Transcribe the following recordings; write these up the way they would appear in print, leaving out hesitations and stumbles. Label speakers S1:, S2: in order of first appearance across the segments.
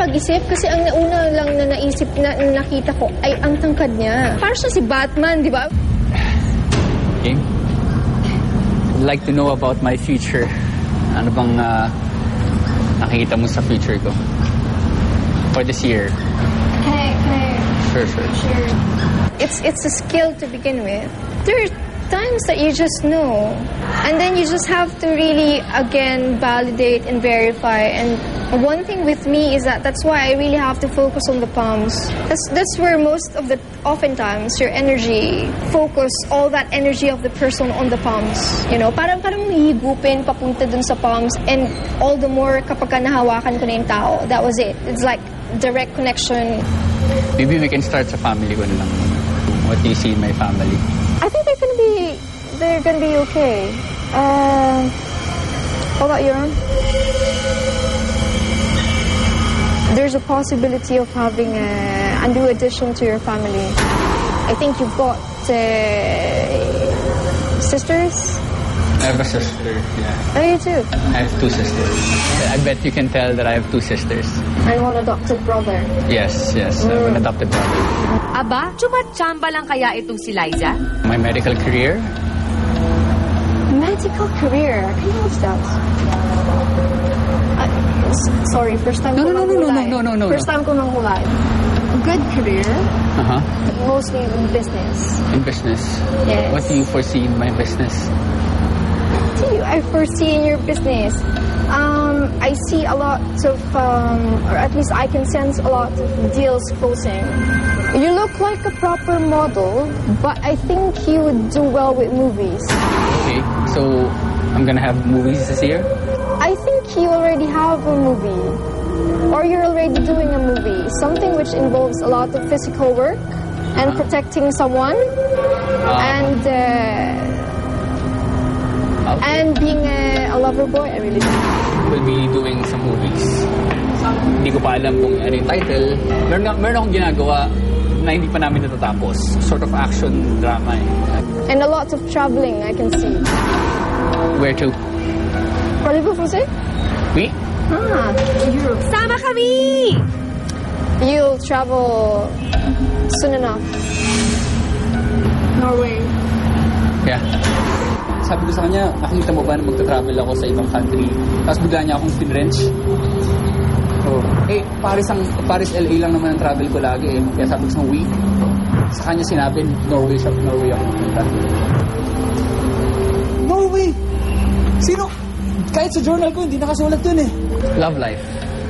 S1: pag-isip kasi ang nauna lang na naisip na nakita ko ay ang tangkad niya. Parang siya si Batman, di ba?
S2: Okay. I'd like to know about my future. Ano bang nakikita mo sa future ko? For this year.
S1: Can I
S2: Sure.
S1: It's a skill to begin with. There are times that you just know. And then you just have to really, again, validate and verify. And one thing with me is that's why I really have to focus on the palms. That's where oftentimes, your energy, focus all that energy of the person on the palms. You know, parang hihigupin papunta dun sa palms. And all the more kapag ka nahawakan ko na yung tao, that was it. It's like direct connection.
S2: Maybe we can start sa family ko na lang. What do you see in my family?
S1: I think they're gonna be okay. How about your own? There's a possibility of having a new addition to your family. I think you've got sisters.
S2: I have a sister, yeah.
S1: Oh, you too?
S2: I have 2 sisters. I bet you can tell that I have 2 sisters.
S1: And one adopted brother.
S2: Yes. I have an adopted brother.
S3: Aba, chumachamba lang kaya itong si Liza?
S2: My medical career?
S1: Medical career. Can you watch that? Sorry, first time ko nang
S2: No.
S1: First time ko nang hulay. Good career.
S2: Uh-huh.
S1: Mostly in business.
S2: In business?
S1: Yes.
S2: What do you foresee in my business?
S1: What do I foresee in your business? I see a lot of, or at least I can sense a lot of deals closing. You look like a proper model, but I think you would do well with movies.
S2: Okay, so I'm gonna have movies this year?
S1: I think you already have a movie. Or you're already doing a movie. Something which involves a lot of physical work and protecting someone. And being a lover boy, I really don't.
S2: We'll be doing some movies. Hindi ko pa alam kung ano yung title. Meron akong ginagawa na hindi pa namin natatapos. Sort of action drama eh.
S1: And a lot of traveling, I can see.
S2: Where to?
S1: Parlez-vous français?
S2: Oui?
S1: Europe.
S3: Sama kami!
S1: You'll travel soon enough. Norway.
S2: Yeah. Sabi ko sa kanya, nakita mo ba na magta-travel ako sa ibang country? Tapos bigla niya akong pinwrench. Paris, LA lang naman ang travel ko lagi eh. Kaya sabi ko sa week. Sa kanya sinabi, Norway ako pupunta.
S4: Norway! Sino? Kahit sa journal ko, hindi nakasulat dun eh.
S2: Love life.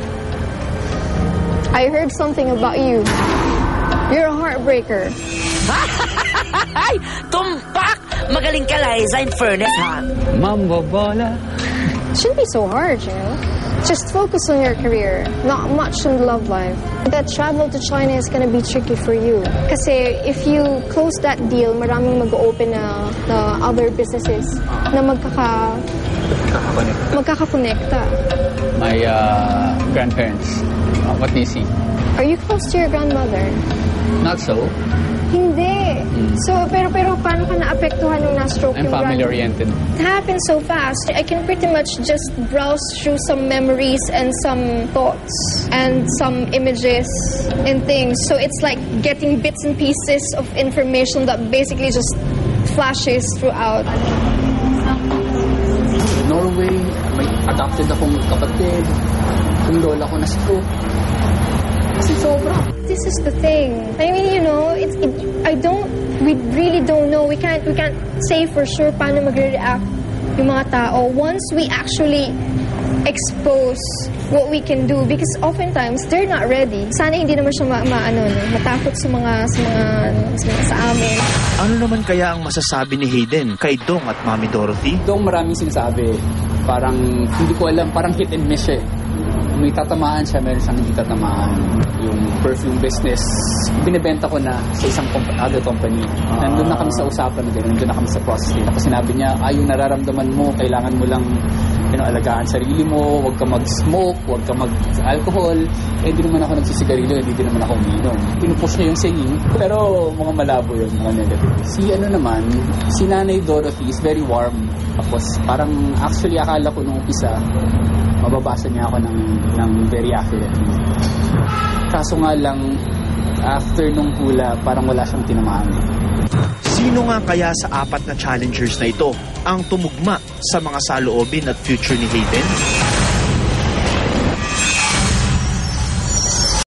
S1: I heard something about you. You're a heartbreaker.
S3: Ay! Tumpak! Magaling ka, Liza, in fairness, ha?
S2: Mambobola.
S1: Shouldn't be so hard, you know? Just focus on your career, not much on the love life. That travel to China is gonna be tricky for you. Kasi if you close that deal, maraming mag-open na other businesses na magkakakonekta.
S2: My grandparents. What do you see?
S1: Are you close to your grandmother?
S2: Not so.
S1: Hindi. So, pero paano ka naapektuhan nung na-stroke
S2: I'm
S1: yung
S2: family-oriented.
S1: It happened so fast. I can pretty much just browse through some memories and some thoughts and some images and things. So it's like getting bits and pieces of information that basically just flashes throughout.
S2: Norway, may adopted akong kapatid. Yung lola ko na-stroke. Kasi sobra.
S1: This is the thing. I mean, you know, we really don't know. We can't say for sure paano magre-react yung mga tao once we actually expose what we can do, because oftentimes they're not ready. Sana hindi naman siya matakot sa amin.
S5: Ano naman kaya ang masasabi ni Hayden kay Dong at Mami Dorothy?
S2: Dong maraming sinasabi. Parang, hindi ko alam, parang hit and miss eh. May tatamaan siya, meron siyang hindi tatamaan. Yung perfume business, binibenta ko na sa isang other company. Nandun na kami sa usapan na gano'n, nandun na kami sa process. Tapos sinabi niya, yung nararamdaman mo, kailangan mo lang alagaan sarili mo, huwag ka mag-smoke, huwag ka mag-alcohol. Hindi naman ako nagsisigarilyo, hindi din naman ako uminom. Pinupush niya yung singing, pero mga malabo yun, mga negative. Si Nanay Dorothy is very warm. Tapos parang actually akala ko nung umpisa, mababasa niya ako ng very accurately. Kaso nga lang, after nung hula, parang wala siyang tinamaan.
S5: Sino nga kaya sa 4 na challengers na ito ang tumugma sa mga saloobin at future ni Hayden?